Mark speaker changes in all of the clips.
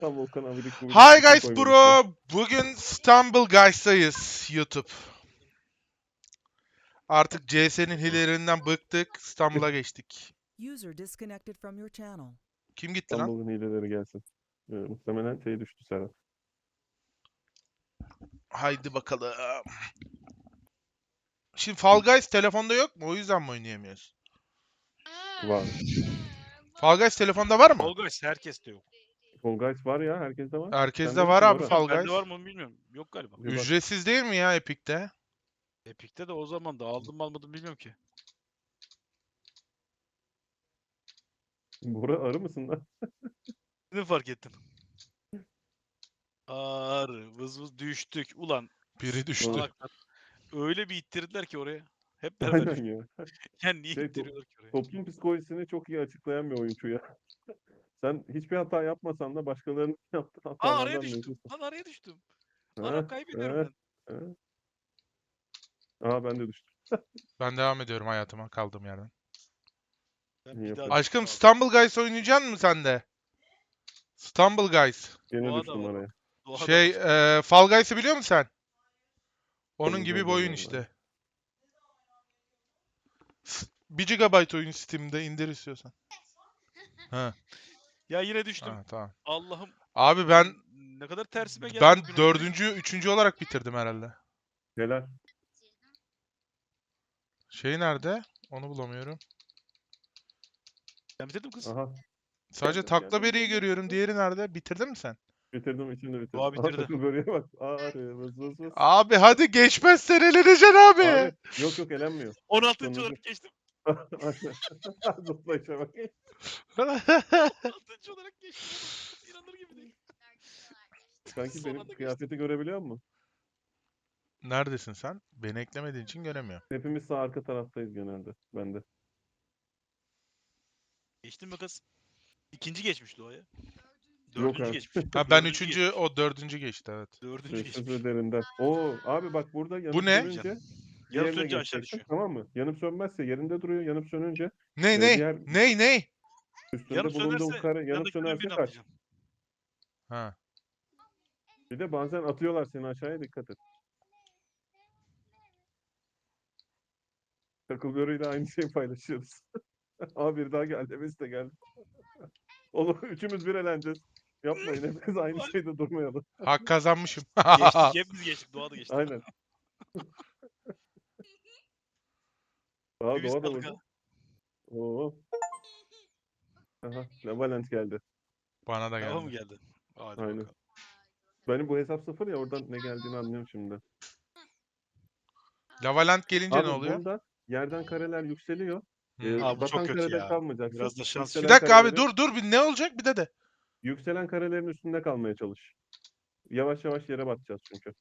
Speaker 1: Tam Volkan Abidik gibi
Speaker 2: Hi
Speaker 1: bir şey
Speaker 2: guys
Speaker 1: koymamış ya.
Speaker 2: bro. Bugün Stumble Guys'tayız YouTube. Artık CS'nin hilelerinden bıktık. Stumble'a geçtik.
Speaker 3: User disconnected from your channel.
Speaker 2: Kim gitti lan?
Speaker 1: İstanbul'un hileleri gelsin. Muhtemelen şey düştü Serhat.
Speaker 2: Haydi bakalım. Şimdi Fall Guys telefonda yok mu? O yüzden mi oynayamıyoruz?
Speaker 1: Var.
Speaker 2: Fall Guys telefonda var mı?
Speaker 4: Fall Guys herkeste yok.
Speaker 1: Fall Guys var ya. Herkeste var.
Speaker 2: Herkeste
Speaker 1: Sende
Speaker 2: var
Speaker 1: yok mu
Speaker 2: abi
Speaker 1: Bora?
Speaker 2: Fall
Speaker 4: Bende
Speaker 2: Guys.
Speaker 4: var mı onu bilmiyorum. Yok galiba.
Speaker 1: Bir bak.
Speaker 2: Ücretsiz değil mi ya Epic'te?
Speaker 4: Epic'te de o zaman da aldım mı almadım bilmiyorum ki.
Speaker 1: Bora arı mısın lan?
Speaker 4: Ne fark ettin? Ağrı vız vız düştük. Ulan
Speaker 2: Biri düştü.
Speaker 4: salaklar. Öyle bir ittirdiler ki oraya. Hep beraber
Speaker 1: Aynen
Speaker 4: düştük.
Speaker 1: ya.
Speaker 4: Yani niye
Speaker 1: Şey,
Speaker 4: ittiriyorlar ki oraya?
Speaker 1: Toplum psikolojisini çok iyi açıklayan bir oyuncu ya. Sen hiçbir hata yapmasan da başkalarının yaptığı
Speaker 4: Aa
Speaker 1: hatalardan
Speaker 4: araya düştüm.
Speaker 1: mevcutsun.
Speaker 4: Lan araya düştüm.
Speaker 1: Ha,
Speaker 4: Arap kaybediyorum
Speaker 1: ha,
Speaker 4: ben.
Speaker 1: ha. Aa ben de düştüm.
Speaker 2: Ben devam ediyorum hayatıma kaldığım yerden.
Speaker 4: Ben
Speaker 1: İyi
Speaker 4: bir daha
Speaker 1: yapıyorsun.
Speaker 2: Aşkım
Speaker 4: düştüm
Speaker 2: Stumble Guys oynayacaksın mı sen de? Stumble Guys.
Speaker 1: Gene
Speaker 4: Doğa da
Speaker 1: düştüm
Speaker 4: var.
Speaker 1: araya.
Speaker 4: abi. Doğa da
Speaker 2: Şey
Speaker 4: var.
Speaker 2: Fall Guys'ı biliyor musun sen? Onun
Speaker 1: Tabii,
Speaker 2: gibi bir
Speaker 1: tabii,
Speaker 2: oyun
Speaker 1: tabii.
Speaker 2: işte. 1 GB oyun Steam'de indir istiyorsan. Ha,
Speaker 4: Ya yine düştüm.
Speaker 2: ha tamam.
Speaker 4: Allah'ım.
Speaker 2: Abi ben
Speaker 4: Ne kadar tersime geldi
Speaker 2: ben
Speaker 4: bugün
Speaker 2: dördüncü, üçüncü olarak bitirdim herhalde.
Speaker 1: Helal.
Speaker 2: Şey nerede? Onu bulamıyorum.
Speaker 4: Ben bitirdim kız.
Speaker 1: Aha.
Speaker 2: Sadece
Speaker 1: Geldim,
Speaker 2: takla
Speaker 1: geldim,
Speaker 2: beriyi
Speaker 1: geldim.
Speaker 2: görüyorum. Diğeri nerede? Bitirdin mi sen?
Speaker 1: Bitirdim içinde bitirdim.
Speaker 4: Doğa
Speaker 1: Aha
Speaker 4: bitirdi.
Speaker 1: takıl böreğe bak. Arı vız vız vız.
Speaker 2: Abi hadi geçmezsen eleneceksin abi.
Speaker 1: Abi yok elenmiyor.
Speaker 4: 16.
Speaker 1: Sonuncu.
Speaker 4: olarak geçtim.
Speaker 1: Aynen. Zıplayışa bak.
Speaker 4: 16. olarak geçtim. oğlum. İnanılır gibi değil.
Speaker 1: Kanki
Speaker 4: Son
Speaker 1: benim
Speaker 4: anda geçtim.
Speaker 1: kıyafeti görebiliyor musun?
Speaker 2: Neredesin sen? Beni eklemediğin için göremiyorum.
Speaker 1: Hepimiz sağ arka taraftayız genelde. Ben de.
Speaker 4: Geçtin mi kız? İkinci geçmiş Doğa'ya.
Speaker 1: Yok
Speaker 4: Dördüncü
Speaker 1: abi.
Speaker 4: geçmiş.
Speaker 2: Ha ben
Speaker 4: Dördüncü
Speaker 2: üçüncü,
Speaker 4: geçmiş.
Speaker 2: o dördüncü geçti evet.
Speaker 4: Dördüncü
Speaker 1: Sessiz
Speaker 4: geçmiş.
Speaker 1: ve derinden. Oo abi bak burada yanıp
Speaker 2: ne?
Speaker 1: sönünce
Speaker 4: Yanıp
Speaker 1: diğerine
Speaker 4: sönünce aşağı
Speaker 1: geçeceksin,
Speaker 4: düşüyor.
Speaker 1: tamam mı? Yanıp sönmezse yerinde duruyor. Yanıp sönünce
Speaker 2: Ne?
Speaker 1: diğer
Speaker 2: Ne?
Speaker 1: üstünde
Speaker 4: Yanıp
Speaker 1: bulunduğun
Speaker 4: sönerse
Speaker 1: kare yanıp
Speaker 4: yanındakilerin
Speaker 1: sönerse
Speaker 4: birini
Speaker 1: kaç.
Speaker 4: atlayacağım.
Speaker 2: Ha.
Speaker 1: Bir de bazen atıyorlar seni aşağıya, dikkat et. Takıl böreğiyle aynı şeyi paylaşıyoruz. Abi bir daha geldi. Biz de geldi. Oğlum üçümüz bir eğleneceğiz. Yapmayın, hepimiz aynı şeyde durmayalım.
Speaker 2: Hak kazanmışım.
Speaker 4: Geçtik. Hepimiz geçtik. Doğa da geçti.
Speaker 1: Aynen. Daha
Speaker 4: Bir biz
Speaker 1: doğa da
Speaker 4: kaldık
Speaker 1: vurdu.
Speaker 4: ha.
Speaker 1: Oo. Aha, Valent geldi.
Speaker 2: Bana da
Speaker 4: Tamam mı
Speaker 2: geldi.
Speaker 4: geldi? Hadi
Speaker 1: Aynen.
Speaker 4: bakalım.
Speaker 1: Benim bu hesap sıfır ya, oradan ne geldiğini anlıyorum şimdi.
Speaker 2: Lavaland gelince
Speaker 1: Abi
Speaker 2: ne oluyor?
Speaker 1: bunda yerden kareler yükseliyor.
Speaker 2: Hmm.
Speaker 4: Abi bu çok
Speaker 1: Batan
Speaker 4: kötü
Speaker 1: karede
Speaker 4: ya.
Speaker 1: kalmayacaksın.
Speaker 4: Biraz da şans.
Speaker 1: Yükselen
Speaker 2: Bir dakika abi
Speaker 1: kareleri-
Speaker 2: dur bir ne olacak bir de.
Speaker 1: Yükselen karelerin üstünde kalmaya çalış. Yavaş yavaş yere batacağız çünkü.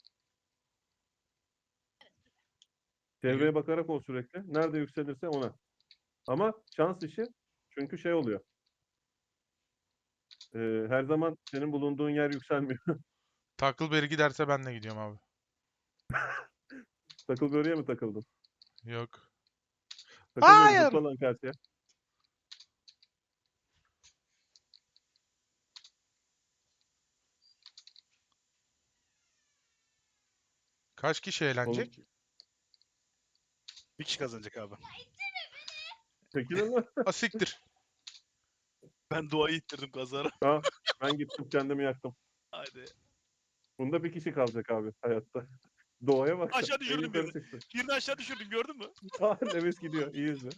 Speaker 1: Çevreye bakarak ol sürekli. Nerede yükselirse ona. Ama şans işi, çünkü şey oluyor. Her zaman senin bulunduğun yer yükselmiyor.
Speaker 2: Tackleberry giderse ben de gidiyorum abi.
Speaker 1: Takıl böreğe mi takıldın?
Speaker 2: Yok.
Speaker 1: Takıl böreğe
Speaker 2: Hayır.
Speaker 1: zıpla lan karşıya.
Speaker 2: Kaç kişi
Speaker 1: Oğlum,
Speaker 2: eğlenecek?
Speaker 4: Bir kişi kazanacak abi.
Speaker 1: çekilin lan.
Speaker 2: Asiktir.
Speaker 4: Ben Doğa'yı ittirdim kazara.
Speaker 1: Ha, ben gittim kendimi yaktım.
Speaker 4: Hadi.
Speaker 1: Bunda bir kişi kalacak abi hayatta. Doğaya bak.
Speaker 4: Aşağı
Speaker 1: En
Speaker 4: düşürdüm
Speaker 1: yukarı
Speaker 4: birini.
Speaker 1: çıktı.
Speaker 4: Birini aşağı düşürdüm gördün mü?
Speaker 1: Nefes gidiyor. İyi izle.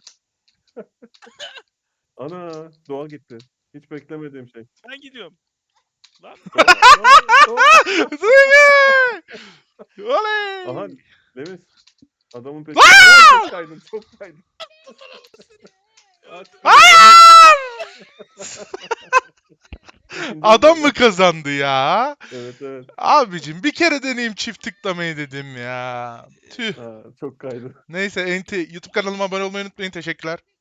Speaker 1: Ana, doğa gitti. Hiç beklemediğim şey.
Speaker 4: Ben gidiyorum. Lan
Speaker 2: Duygu! Oley!
Speaker 1: Aha, Deniz. Adamın peşinde. Aa, çok kaydın, çok kaydın.
Speaker 2: Adam mı kazandı ya?
Speaker 1: Evet, evet.
Speaker 2: Abicim bir kere deneyim çift tıklamayı dedim ya. Tüh.
Speaker 1: Ha, çok kaydı.
Speaker 2: Neyse YouTube kanalıma abone olmayı unutmayın. Teşekkürler.